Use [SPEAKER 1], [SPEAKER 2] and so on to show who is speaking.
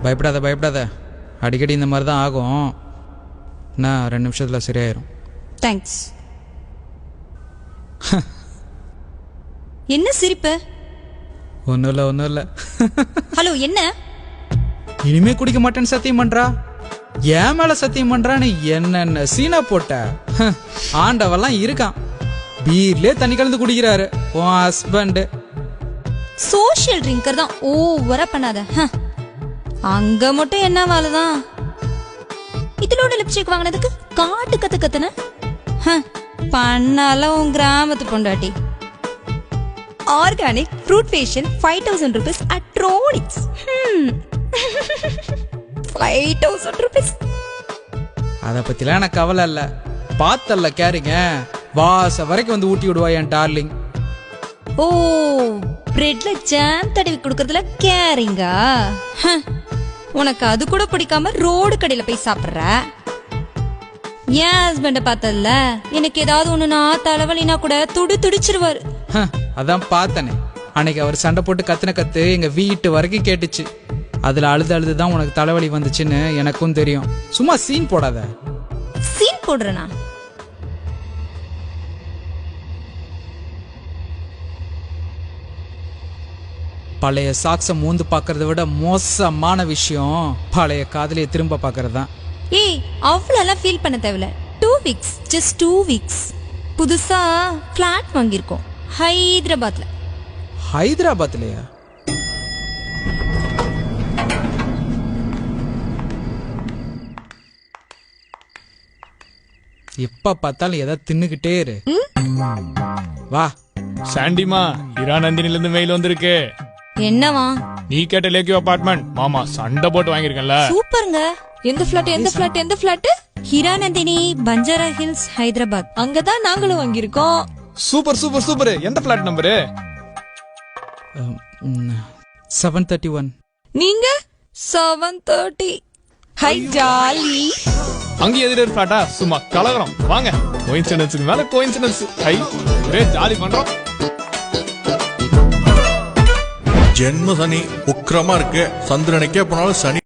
[SPEAKER 1] பயப்படாத பயப்படாத, அடிக்கடி இந்த மாதிரி தான் ஆகும். நான் 2 நிமிஷத்தில் சரியாயிரும்.
[SPEAKER 2] தேங்க்ஸ். என்ன சிரிப்பு?
[SPEAKER 1] ஒன்றும் இல்லை.
[SPEAKER 2] ஹலோ, என்ன?
[SPEAKER 1] இனிமே குடிக்க மாட்டேன்னு சத்தியம் பண்றா. என் மேல சத்தியம் பண்றான்னு என்னென்ன சீனா போட்ட. ஆண்டவெல்லாம் இருக்கான், பீர்லயே தண்ணி கலந்து குடிக்கிறாரு உன் ஹஸ்பண்ட்.
[SPEAKER 2] சோஷியல் ட்ரிங்கர் தான், ஓவரா பண்ணாத. அங்க மட்டும் என்ன வேலைதான்? இதோட லிப்ஸ்டிக் வாங்கினதுக்கு காட்டு கத்து கத்துன பண்ணால உன் கிராமத்து பொண்டாட்டி. Organic fruit facial 5000 rupees at Tronix. 5000 rupees.
[SPEAKER 1] அதை பத்திலாம் எனக்கு கவலை இல்ல. பார்த்தல்ல கேரிங்க, வாச வரைக்கும் வந்து ஊட்டி விடுவா என் டார்லிங்.
[SPEAKER 2] ஓ, பிரெட்ல ஜாம் தடவி கொடுக்கறதுல கேரிங்கா? உனக்கு அது கூட பிடிக்காம ரோடு கடையில போய் சாப்பிடுற. என் ஹஸ்பண்ட பார்த்ததுல எனக்கு ஏதாவது ஒண்ணுனா தலைவலினா கூட துடிச்சிருவாரு.
[SPEAKER 1] அதான் பார்த்தனே, அன்னைக்கு அவர் சண்டை போட்டு கத்துன கத்து எங்க வீட்டு வரைக்கும் கேட்டுச்சு. அதுல அழுதுதான் உனக்கு தலைவலி வந்துச்சுன்னு எனக்கும் தெரியும். சும்மா சீன் போடாத.
[SPEAKER 2] சீன் போடுறனா?
[SPEAKER 1] பழைய சாக்ஸ மூந்து பாக்குறத விட மோசமான விஷயம் பழைய காதலியை திரும்ப பாக்குறதுதான்.
[SPEAKER 2] ஏய், அவ்வளோலாம் ஃபீல் பண்ண தேவையில்ல. 2 weeks, just 2 weeks. புதுசா ஃபிளாட் வாங்கியிருக்கோம் ஹைதராபாத்ல.
[SPEAKER 1] ஹைதராபாத்லயா? எப்ப பார்த்தாலும் எதை தின்னுகிட்டே இரு. வா.
[SPEAKER 3] சாண்டிமா, இரா நந்தினில இருந்து மெயில் வந்திருக்கு.
[SPEAKER 2] என்னவா?
[SPEAKER 3] நீ கேட்ட லேக்கியோ அபார்ட்மெண்ட் மாமா சண்டை போட்டு வாங்கிருக்கேன்ல.
[SPEAKER 2] சூப்பருங்க. எந்த ஃபிளாட்? ஹிராநந்தினி, பஞ்சாரா ஹில்ஸ், ஹைதராபாத். அங்கதான் நாங்களும் வாங்கியிருக்கோம்.
[SPEAKER 3] சூப்பர். எந்த ஃபிளாட் நம்பரு?
[SPEAKER 1] 731.
[SPEAKER 2] நீங்க 730. ஹை ஜாலி.
[SPEAKER 3] அங்க எதிர ஃபிளாட்டா? சும்மா கலகரம். வாங்க, கோயின்சிடன்ஸ்க்கு மேல கோயின்சிடன்ஸ். ஹை, ஒரே ஜாலி பண்றோம்.
[SPEAKER 4] ஜென்ம சனி உக்கிரமா இருக்கு. சந்திரனுக்கே போனாலும் சனி